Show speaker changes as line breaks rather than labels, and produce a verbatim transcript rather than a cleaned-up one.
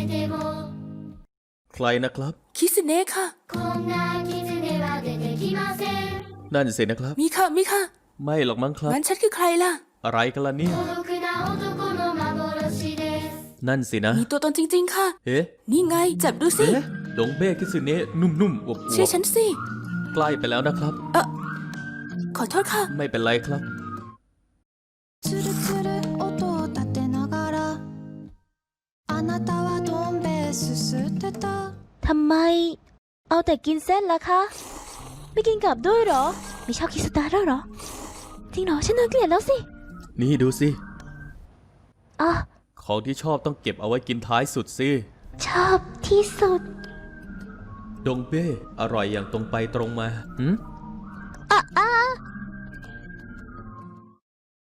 ใครนะครับ
คิสเน่ค่ะ
นั่นสินะครับ
มีค่ะมีค่ะ
ไม่หรอกมั้งครับ
งั้นฉันคือใครล่ะ
อะไรกันล่ะเนี่ยนั่นสินะ
มีตัวตนจริงๆค่ะ
เอ๊ะ
นี่ไงจับดูสิ
เอ๊ะดงเบ้คิสึเนะนุ่มๆอวบๆ
เชื่อฉันสิ
ใกล้ไปแล้วนะครับ
เออขอโทษค่ะ
ไม่เป็นไรครับ
つるつる音を立てながらあなたはどん兵衛すすってた
ทำไมเอาแต่กินเส้นล่ะคะไม่กินกลับด้วยเหรอไม่ชอบกินสตาร์แล้วเหรอจริงเหรอฉันน่าเกลียดแล้วสิ
นี่ดูสิ
อ่ะ
ของที่ชอบต้องเก็บเอาไว้กินท้ายสุดสิ
ชอบที่สุด
ดงเบ้อร่อยอย่างตรงไปตรงมาหืม
อ่ะอ่ะ